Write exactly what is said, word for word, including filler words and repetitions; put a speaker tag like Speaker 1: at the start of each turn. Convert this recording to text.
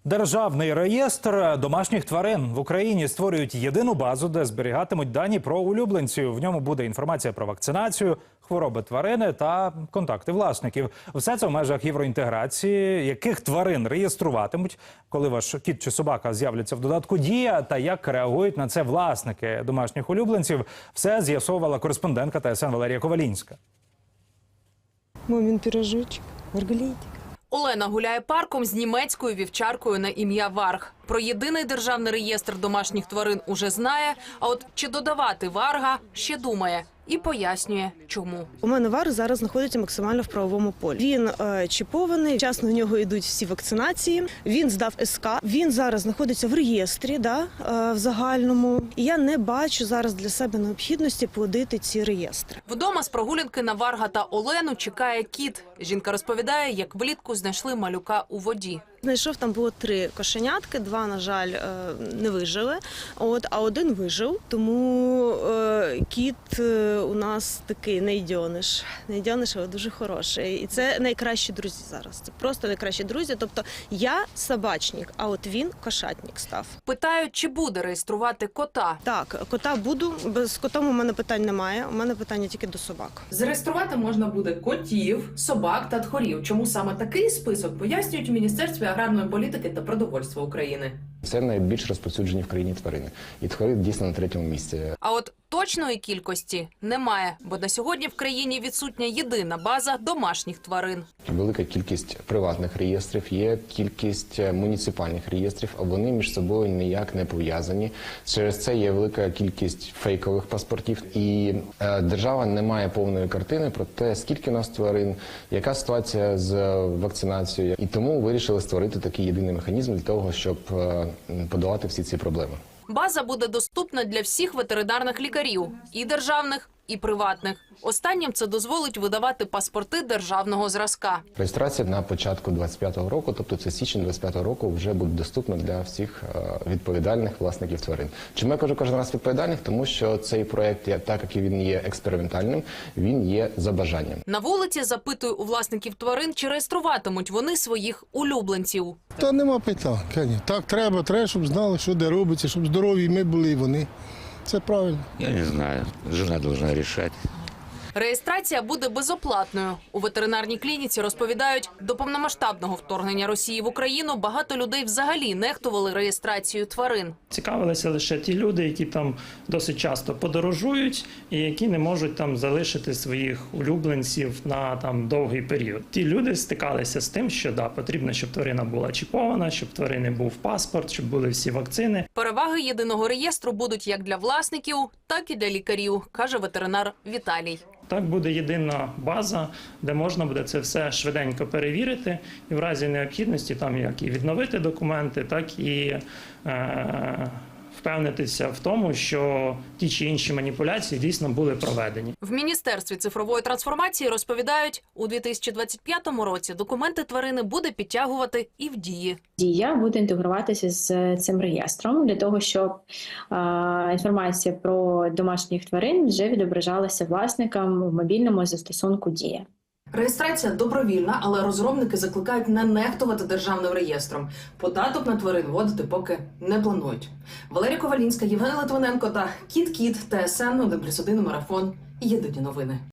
Speaker 1: Державний реєстр домашніх тварин в Україні створюють єдину базу, де зберігатимуть дані про улюбленців. В ньому буде інформація про вакцинацію, хвороби тварини та контакти власників. Все це в межах євроінтеграції. Яких тварин реєструватимуть, коли ваш кіт чи собака з'являться в додатку «Дія», та як реагують на це власники домашніх улюбленців, все з'ясовувала кореспондентка Т С Н Валерія Ковалінська.
Speaker 2: Мамин пирожочек, маргалітик.
Speaker 3: Олена гуляє парком з німецькою вівчаркою на ім'я Варг. Про єдиний державний реєстр домашніх тварин уже знає, а от чи додавати Варга ще думає. І пояснює, чому.
Speaker 2: У мене Варг зараз знаходиться максимально в правовому полі. Він е, чіпований, вчасно в нього йдуть всі вакцинації, він здав С К, він зараз знаходиться в реєстрі, да, е, в загальному. І я не бачу зараз для себе необхідності плодити ці реєстри.
Speaker 3: Вдома з прогулянки на Варга та Олену чекає кіт. Жінка розповідає, як влітку знайшли малюка у воді.
Speaker 2: Знайшов, там було три кошенятки, два, на жаль, не вижили, от, а один вижив. Тому е, кіт у нас такий найдьониш, найдьониш, але дуже хороший. І це найкращі друзі зараз, це просто найкращі друзі. Тобто я собачник, а от він кошатник став.
Speaker 3: Питають, чи буде реєструвати кота.
Speaker 2: Так, кота буду, без котом у мене питань немає, у мене питання тільки до собак.
Speaker 3: Зареєструвати можна буде котів, собак та тхорів. Чому саме такий список, пояснюють у Міністерстві аграрної політики та продовольства України.
Speaker 4: Це найбільш розповсюджені в країні тварини. І тхори дійсно на третьому місці.
Speaker 3: А от точної кількості немає, бо на сьогодні в країні відсутня єдина база домашніх тварин.
Speaker 4: Велика кількість приватних реєстрів, є кількість муніципальних реєстрів, а вони між собою ніяк не пов'язані. Через це є велика кількість фейкових паспортів. І е, держава не має повної картини про те, скільки у нас тварин, яка ситуація з вакцинацією. І тому вирішили створити такий єдиний механізм для того, щоб е, подолати всі ці проблеми.
Speaker 3: База буде доступна для всіх ветеринарних лікарів – і державних, і приватних. Останнім це дозволить видавати паспорти державного зразка.
Speaker 4: Реєстрація на початку двадцять п'ятого року, тобто це січень двадцять п'ятого року, вже буде доступна для всіх відповідальних власників тварин. Чому я кажу кожен раз відповідальних? Тому що цей проєкт, так як він є експериментальним, він є за бажанням.
Speaker 3: На вулиці запитую у власників тварин, чи реєструватимуть вони своїх улюбленців.
Speaker 5: Та нема питань. Так треба, треба, щоб знали, що де робиться, щоб здорові ми були і вони. Це правильно.
Speaker 6: Я не знаю. Жена должна решать.
Speaker 3: Реєстрація буде безоплатною. У ветеринарній клініці розповідають, до повномасштабного вторгнення Росії в Україну багато людей взагалі нехтували реєстрацією тварин.
Speaker 7: Цікавилися лише ті люди, які там досить часто подорожують і які не можуть там залишити своїх улюбленців на там довгий період. Ті люди стикалися з тим, що да, потрібно, щоб тварина була чіпована, щоб тварини був паспорт, щоб були всі вакцини.
Speaker 3: Переваги єдиного реєстру будуть як для власників, так і для лікарів, каже ветеринар Віталій.
Speaker 7: Так буде єдина база, де можна буде це все швиденько перевірити і в разі необхідності там як і відновити документи, так і е, впевнитися в тому, що ті чи інші маніпуляції дійсно були проведені.
Speaker 3: В Міністерстві цифрової трансформації розповідають, у дві тисячі двадцять п'ятому році документи тварини буде підтягувати і в Дії.
Speaker 8: Дія буде інтегруватися з цим реєстром для того, щоб е, інформація про домашніх тварин вже відображалася власникам в мобільному застосунку Дія.
Speaker 3: Реєстрація добровільна, але розробники закликають не нехтувати державним реєстром. Податок на тварин вводити поки не планують. Валерія Ковалінська, Євген Литвиненко та Кіт-Кіт, Т С Н один плюс один марафон. Єдині новини.